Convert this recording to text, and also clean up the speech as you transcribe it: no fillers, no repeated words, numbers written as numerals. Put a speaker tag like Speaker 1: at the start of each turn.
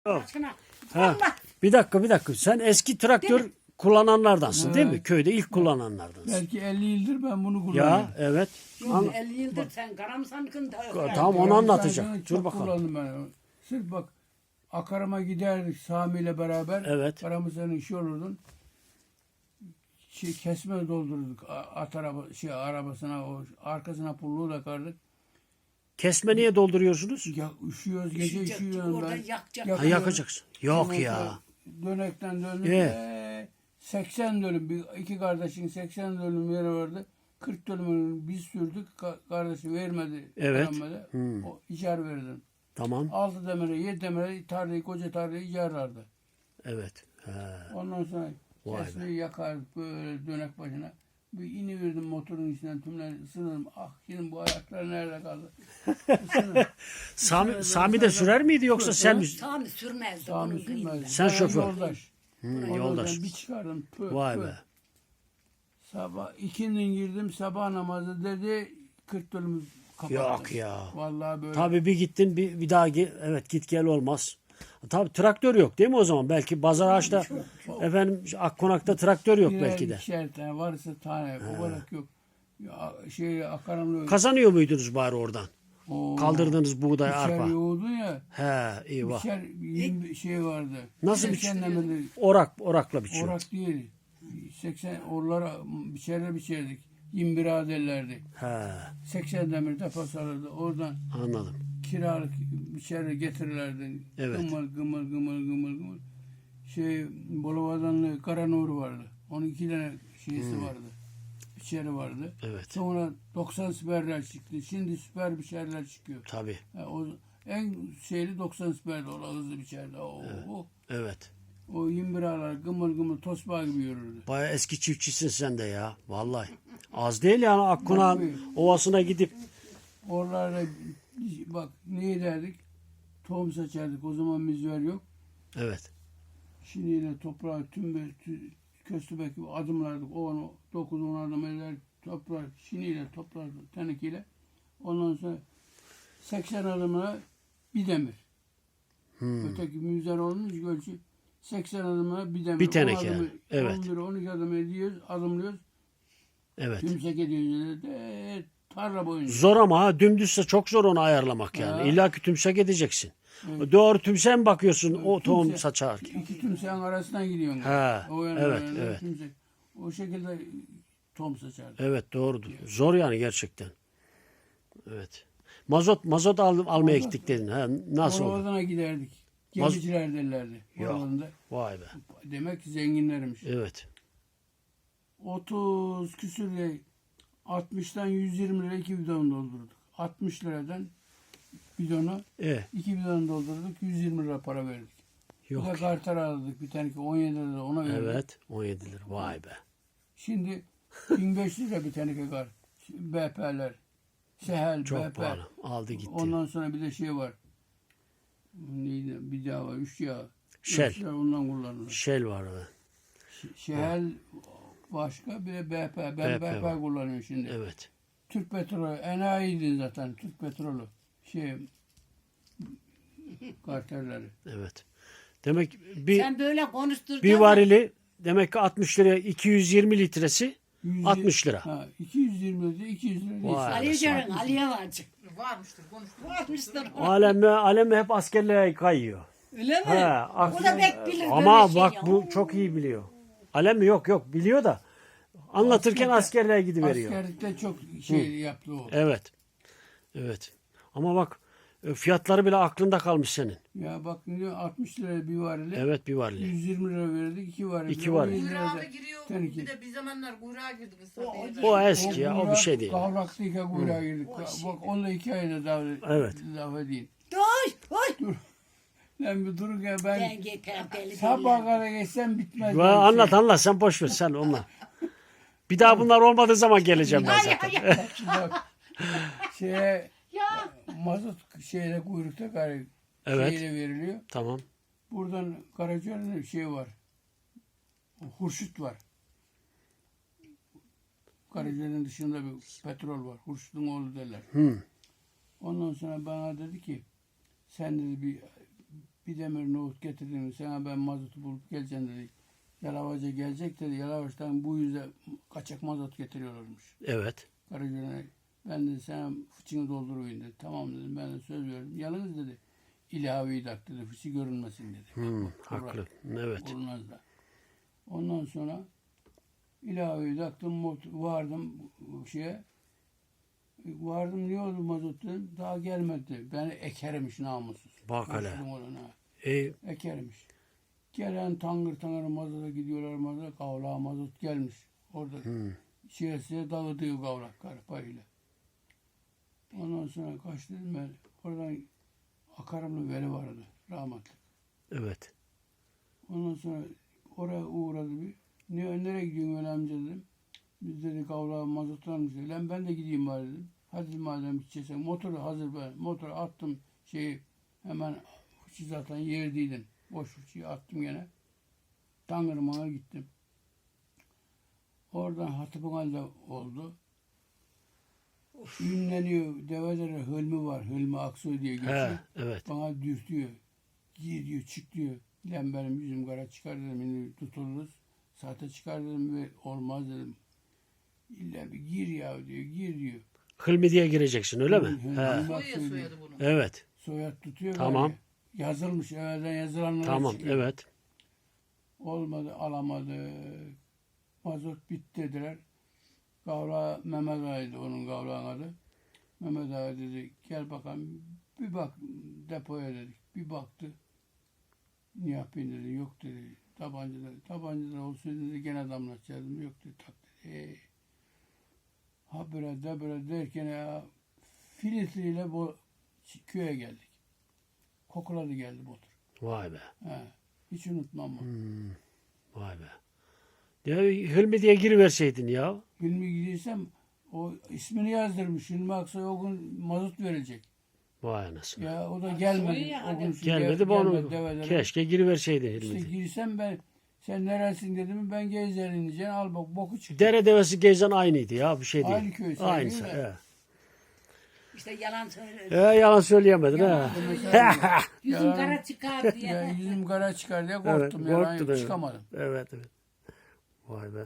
Speaker 1: Yok.
Speaker 2: Başına.
Speaker 1: Ha,
Speaker 2: Allah.
Speaker 1: bir dakika. Sen eski traktör
Speaker 2: Değil mi?
Speaker 1: kullananlardansın değil mi?
Speaker 3: Evet.
Speaker 1: Köyde ilk kullananlardansın.
Speaker 3: Belki 50 yıldır ben bunu kullanıyorum.
Speaker 1: Ya evet.
Speaker 2: Yok, 50 yıldır sen karamsankın da.
Speaker 1: Tamam, onu
Speaker 3: Yani
Speaker 1: anlatacak.
Speaker 3: zaten
Speaker 1: Dur
Speaker 3: çok
Speaker 1: bakalım.
Speaker 3: kullandım ben onu. Sırf bak Akarama giderdik Sami ile beraber.
Speaker 1: Evet.
Speaker 3: Karamızın işi olurdun. Kesme doldururduk. At arabasına o arkasına pulluğu takardık.
Speaker 1: Kesme niye dolduruyorsunuz?
Speaker 3: Ya üşüyoruz gece
Speaker 2: Üşüyecek,
Speaker 3: üşüyorum
Speaker 2: orada
Speaker 3: ben.
Speaker 2: yakacak.
Speaker 1: Ha, yakacaksın. Yok
Speaker 3: Ondan
Speaker 1: ya.
Speaker 3: sonra Dönekten döndüm. 80 dönüm. İki kardeşin 80 dönüm yeri vardı. 40 dönümünü biz sürdük. Kardeşi vermedi.
Speaker 1: Evet.
Speaker 3: Vermedi.
Speaker 1: Hmm.
Speaker 3: O icar verdim.
Speaker 1: Tamam.
Speaker 3: 6 demire 7 demire tarlayı koca tarlayı icarlardı.
Speaker 1: Evet. He.
Speaker 3: Ondan sonra
Speaker 1: Vay be.
Speaker 3: kesmeyi yakardık böyle dönek başına. Bir iniverdim motorun içinden tümler ısınırım. Ah şimdi bu ayaklar nerede kaldı? Isınırım.
Speaker 1: Sami de sürer miydi yoksa sen mi?
Speaker 2: Sami sürmezdi.
Speaker 3: Sami
Speaker 2: Onun kıyımda.
Speaker 3: sürmez.
Speaker 1: Sen
Speaker 3: Ben
Speaker 1: şoför.
Speaker 3: Yoldaş. Ondan
Speaker 1: Yoldaş.
Speaker 3: sonra bir çıkardım.
Speaker 1: Vay be.
Speaker 3: Sabah ikindin girdim sabah namazı dedi 40 dönümü kapattı.
Speaker 1: Yok ya.
Speaker 3: Vallahi böyle.
Speaker 1: Tabii bir gittin bir daha evet git gel olmaz. Tabii traktör yok değil mi o zaman? Belki Bazaraağaç'ta efendim Akkonak'ta traktör yok
Speaker 3: Birer,
Speaker 1: belki de.
Speaker 3: ikişer tane varsa tane o kadar yok. Ya, akaramlı
Speaker 1: Kazanıyor muydunuz bari oradan?
Speaker 3: o
Speaker 1: Kaldırdığınız buğday,
Speaker 3: biçer
Speaker 1: arpa.
Speaker 3: yoğurdu ya.
Speaker 1: He, eyvah.
Speaker 3: Biçer şey vardı.
Speaker 1: Nasıl
Speaker 3: 80 demirli
Speaker 1: Orakla biçiyor.
Speaker 3: orak değil. 80 orlara biçerdik. 21 derlerdi.
Speaker 1: He,
Speaker 3: 80 demir depo sarıldı. Oradan
Speaker 1: anladım.
Speaker 3: kiralık içeri getirirlerdi.
Speaker 1: Evet.
Speaker 3: Gımır. Bolovadanlı Karanur vardı. Onun 2 tane şeysi vardı. Biçeri vardı.
Speaker 1: Evet.
Speaker 3: Sonra 90 süperler çıktı. Şimdi süper biçerler çıkıyor.
Speaker 1: Tabii.
Speaker 3: O en şeyli 90 süperdi. O hızlı biçerdi.
Speaker 1: Evet.
Speaker 3: O 21 ağlar gımır tosbağa gibi yürürdü.
Speaker 1: Baya eski çiftçisin sen de ya. Vallahi. Az değil yani Akkonak'ın ovasına gidip.
Speaker 3: Oralarda bak ne ederdik? Tohum seçerdik. O zaman müzver yok.
Speaker 1: Evet.
Speaker 3: Şimdi yine toprağı köstebek gibi adımlardık. 9-10 adım eder toprak şiniyle toplardık tenekiyle. Ondan sonra 80 adımına bir demir. Öteki müzer olmuş ölçü 80 adımına bir demir.
Speaker 1: Bir teneke.
Speaker 3: 10 adımı,
Speaker 1: Evet.
Speaker 3: 11-12 adım ediyoruz, adımlıyoruz.
Speaker 1: Evet.
Speaker 3: Tümsek ediyoruz. Tarla boyunca.
Speaker 1: Zor ama ha, dümdüzse çok zor onu ayarlamak yani.
Speaker 3: Ha.
Speaker 1: İlla ki tümsek edeceksin.
Speaker 3: Evet.
Speaker 1: Doğru tümsek mi bakıyorsun o tohum
Speaker 3: Tümsek-
Speaker 1: saçarken?
Speaker 3: İki tümseğin arasından gidiyorsun.
Speaker 1: Ha,
Speaker 3: O yana,
Speaker 1: evet,
Speaker 3: o yana,
Speaker 1: evet.
Speaker 3: tümsek. O şekilde tohum saçardı.
Speaker 1: Evet doğrudur. Zor yani gerçekten. Evet. Mazot almaya gittik dedin. Ha, nasıl oldu?
Speaker 3: Oradan giderdik. Gemiciler derlerdi.
Speaker 1: Yok.
Speaker 3: Oralarında.
Speaker 1: Vay be.
Speaker 3: Demek ki zenginlermiş.
Speaker 1: Evet.
Speaker 3: 30 küsür lira 60'tan 120 lira 2 bidon doldurduk. 60 liradan bidonu 2 bidon doldurduk. 120 lira para verdik. Bir de
Speaker 1: Yok.
Speaker 3: kartar aldık bir tane ki 17 lira ona verdik.
Speaker 1: Evet. 17 lira. Vay be.
Speaker 3: Şimdi 1500 lira bir tane ki kar. BP'ler. Sehel,
Speaker 1: Çok
Speaker 3: BP.
Speaker 1: pahalı. Aldı gitti.
Speaker 3: Ondan sonra bir de şey var. Neydi? Bir daha var. 3 yağ.
Speaker 1: Shell.
Speaker 3: 3 yağ ondan kullanılır.
Speaker 1: Shell var be.
Speaker 3: Şehel başka bir de BP. Ben
Speaker 1: BP
Speaker 3: BP
Speaker 1: var.
Speaker 3: kullanıyorum şimdi.
Speaker 1: Evet.
Speaker 3: Türk petrolü. Enayiydi zaten. Türk petrolü. Kartelleri.
Speaker 1: Evet. Demek bir
Speaker 2: Sen böyle konuşturdun.
Speaker 1: bir varili demek ki 60 liraya 220 litresi 60 lira.
Speaker 3: Ha, 220 lira 200 lira.
Speaker 1: Vay.
Speaker 3: neyse.
Speaker 2: Aliye Ceren, Aliye varcık.
Speaker 4: Varmıştır, konuştuk.
Speaker 2: Varmıştır.
Speaker 1: Alemi hep askerliğe kayıyor.
Speaker 2: Öyle mi?
Speaker 1: He,
Speaker 2: O da pek bilir
Speaker 1: ama
Speaker 2: böyle
Speaker 1: bak
Speaker 2: şey
Speaker 1: bu
Speaker 2: ya.
Speaker 1: çok iyi biliyor. Alem yok biliyor da anlatırken askerliğe gidiveriyor.
Speaker 3: Askerlikte çok şey yaptı o.
Speaker 1: Evet. Evet. Ama bak fiyatları bile aklında kalmış senin.
Speaker 3: Ya bak ne diyor 60 lira bir varili.
Speaker 1: Evet bir varili.
Speaker 3: 120 lira verdik 2 varili.
Speaker 1: 2 varil.
Speaker 3: 17 lira da
Speaker 4: Kuyruğa giriyor.
Speaker 3: teneke.
Speaker 4: Bir de bir zamanlar kuyruğa girdik.
Speaker 1: O eski ya o bir şey değil.
Speaker 3: Kavraklıyken kuyruğa girdik. Bak onunla 2 ayda daha
Speaker 1: Evet.
Speaker 3: laf edeyim.
Speaker 2: Dur.
Speaker 3: Lan bir durun ya
Speaker 2: Ben
Speaker 3: ben
Speaker 2: yeter deli
Speaker 3: sabah
Speaker 2: deli.
Speaker 3: kadar geçsem bitmez.
Speaker 1: Anlat sen boş ver sen onunla. Bir daha bunlar olmadığı zaman geleceğim ben zaten.
Speaker 3: Bak şeye
Speaker 2: Ya.
Speaker 3: mazot şeyle kuyrukta
Speaker 1: Evet.
Speaker 3: şeyle veriliyor.
Speaker 1: Tamam.
Speaker 3: Buradan Karacaoğlu'nun şey var. Hurşut var. Karacaoğlu'nun dışında bir petrol var. Hurşut'un oğlu derler.
Speaker 1: Hı.
Speaker 3: Ondan sonra bana dedi ki sen dedi bir bir demir nohut getirdim. Sana ben mazotu bulup geleceğim dedi. Yalavaca gelecek dedi. Yalavaç'tan bu yüze kaçak mazot getiriyorlarmış.
Speaker 1: Evet.
Speaker 3: Karagöl'e ben de sana fıçını dolduruyun dedi. Tamam dedim, ben de söz veriyorum. Yalnız dedi ilaveyi tak dedi. Fıçı görünmesin dedi.
Speaker 1: Haklı. Evet.
Speaker 3: Olmaz da. Ondan sonra ilaveyi taktım, vardım şeye. Vardım ne oldu mazot dedim. Daha gelmedi. Beni ekermiş namussuz.
Speaker 1: Bak hele.
Speaker 3: Konuştum ona. Ekermiş. Gelen tangır tangır mazota gidiyorlar mazota. Kavlağa mazot gelmiş. Orada şişeye dağıtıyor kavlak karpayla. Ondan sonra kaçtım ben. Oradan Akarımlı Veli vardı. Rahmetli.
Speaker 1: Evet.
Speaker 3: Ondan sonra oraya uğradı bir. Nereye gidiyorsun öyle amca dedim. Biz dedi kavlağa mazot almış dedi. Lan ben de gideyim bari dedim. Hadi madem gideceksen. Motoru hazır ben. Motoru attım şeyi hemen fıçı zaten yerdeydin. Boş fıçıyı attım gene. Tangırmağ'a gittim. Oradan Hatıpınal'da oldu. Ünleniyor. Develere Hülmü var. Hülmü Aksoy diye geçiyor.
Speaker 1: He, evet.
Speaker 3: Bana dürtüyor. Gir diyor, çık diyor. Lan benim yüzüm kara çıkar dedim. Şimdi tutuluruz. Saate çıkar dedim ve olmaz dedim. İlla bir gir ya diyor. Gir diyor.
Speaker 1: Hılmi diye gireceksin öyle mi?
Speaker 3: Hülmü
Speaker 1: He.
Speaker 3: Aksoy
Speaker 4: Soya
Speaker 3: diyor.
Speaker 4: soyadı bunu.
Speaker 1: Evet.
Speaker 3: Soyad tutuyor.
Speaker 1: Tamam.
Speaker 3: böyle. Yazılmış. Evvelden yazılanlar
Speaker 1: Tamam.
Speaker 3: çıkıyor.
Speaker 1: Evet.
Speaker 3: Olmadı, alamadı. Mazot bitti dediler. Gavra Mehmet Ağa'ydı onun Gavra'nın adı. Mehmet Ağa dedi gel bakalım bir bak depoya dedik. Bir baktı. Ne yapayım dedi. Yok dedi. Tabancalar olsaydı dedi gene damlatacaktım. Yok dedi. Tak dedi. Habire de böyle derken ya filtreyle bu köye geldik. Kokuladı geldi motor.
Speaker 1: Vay be.
Speaker 3: He. Hiç unutmam bunu.
Speaker 1: Vay be. Ya Hılmi diye giriverseydin ya.
Speaker 3: Hilmi gidiysem o ismini yazdırmış. Hilmi Aksoy o gün mazot verecek.
Speaker 1: Vay anasını.
Speaker 3: Ya o da gelmedi.
Speaker 2: ya,
Speaker 3: O gün
Speaker 1: Gelmedi bu onu.
Speaker 3: develere.
Speaker 1: Keşke giriverseydin
Speaker 3: İşte
Speaker 1: Hılmi diye.
Speaker 3: girsem ben sen neresin dedim ben Geyzer'in diyeceksin al bak boku çıktı.
Speaker 1: Dere devesi gezen aynıydı ya bir şey değil.
Speaker 3: Aynı köy sayılır
Speaker 1: Aynısı.
Speaker 3: da.
Speaker 1: He.
Speaker 2: İşte yalan söylüyor.
Speaker 1: Yalan söyleyemedin ha.
Speaker 2: Yüzün
Speaker 3: Yalan-
Speaker 2: kara çıkar
Speaker 3: Ya
Speaker 2: diye.
Speaker 3: yüzüm kara çıkar diye korktum.
Speaker 1: Evet,
Speaker 3: Yalan
Speaker 1: korktun, evet.
Speaker 3: çıkamadım.
Speaker 1: Evet evet. Vay be.